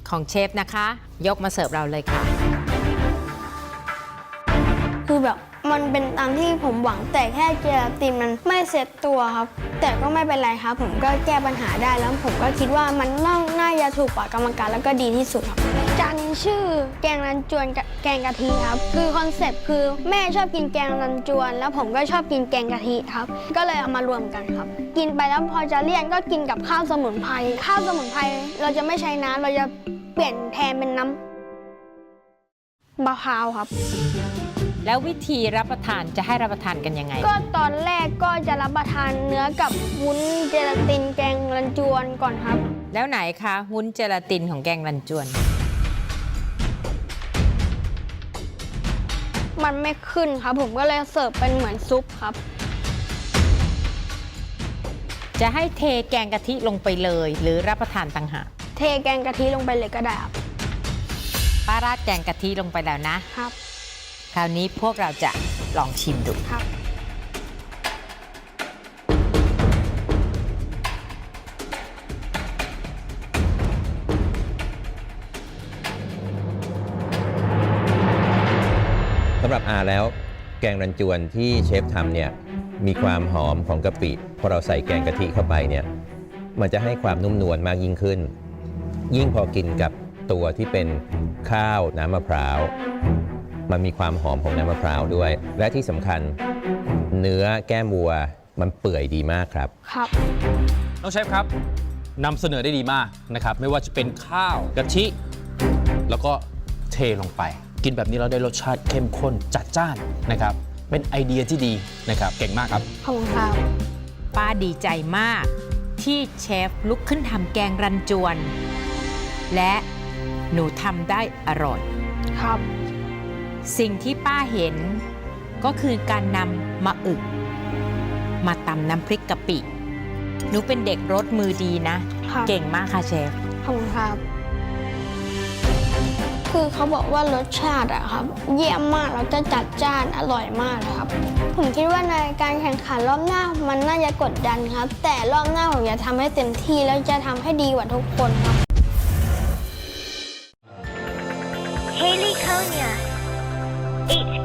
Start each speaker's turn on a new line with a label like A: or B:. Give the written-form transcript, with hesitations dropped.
A: ของเชฟนะคะ ยกมาเสิร์ฟเราเลยค่ะ
B: คือแบบมันเป็นตามที่ผมหวังแต่แค่เจลาตินมันไม่เซ็ตตัวครับ แต่ก็ไม่เป็นไรครับ ผมก็แก้ปัญหาได้แล้วผมก็คิดว่ามันน่าจะถูกปากกรรมการแล้วก็ดีที่สุดครับจานนี้ชื่อแกงรันจวนกับแกงกะทิครับคือคอนเซปต์คือแม่ชอบกินแกงรันจวน แล้วผมก็ชอบกินแกงกะทิครับก็เลยเอามารวมกันครับกินไปแล้วพอจะเลี่ยนก็กินกับข้าวสมุนไพรข้าวสมุนไพรเราจะไม่ใช้น้ำเราจะเปลี่ยนแทนเป็นน้ำมะพร้าวครับ
A: แล้ววิธีรับประทานจะให้รับประทานกันยังไง
B: ก็ตอนแรกก็จะรับประทานเนื้อกับวุ้นเจลาตินแกงรันจวนก่อนครับ
A: แล้วไหนคะวุ้นเจลาตินของแกงรันจวน
B: มันไม่ขึ้นครับ ผมก็เลยเสิร์ฟเป็นเหมือนซุปครับ
A: จะให้เทแกงกะทิลงไปเลย หรือรับประทานต่างหาก
B: เทแกงกะทิลงไปเลยก็ได้ครับ
A: ป้าราดแกงกะทิลงไปแล้วนะ
B: ครับ
A: คราวนี้พวกเราจะลองชิมดู
B: ครับ
C: สำหรับอาแล้วแกงรันจวนที่เชฟทำเนี่ยมีความหอมของกะปิพอเราใส่แกงกะทิเข้าไปเนี่ยมันจะให้ความนุ่มนวลมากยิ่งขึ้น ยิ่งพอกินกับตัวที่เป็นข้าวน้ำมะพร้าวมันมีความหอมของน้ำมะพร้าวด้วย และที่สำคัญเนื้อแก้มวัวมันเปื่อยดีมากครับ
B: ครับ
D: น้องเชฟครับนำเสนอได้ดีมากนะครับไม่ว่าจะเป็นข้าวกะทิ แล้วก็เทลงไป กินแบบนี้เราได้รสชาติเข้มข้นจัดจ้านนะครับ เป็นไอเดียที่ดีนะครับเก่งมากครับ
B: ขอบคุณครับ
A: ป้าดีใจมากที่เชฟลุกขึ้นทำแกงรันจวน และหนูทำได้อร่อย
B: ครับ
A: สิ่งที่ป้าเห็นก็คือการนำมะอึกมาตำน้ำพริกกะปิ หนูเป็นเด็กรสมือดีนะ
B: ครับ
A: เก่งมากค่ะเชฟ
B: ขอบคุณครับ คือเขาบอกว่ารสชาติอะครับ เยี่ยมมากแล้วจะจัดจ้านอร่อยมากเลยครับ ผมคิดว่าในการแข่งขันรอบหน้ามันน่าจะกดดันครับ แต่รอบหน้าผมจะทำให้เต็มที่แล้วจะทำให้ดีกว่าทุกคนครับ
E: Haley Konya, 8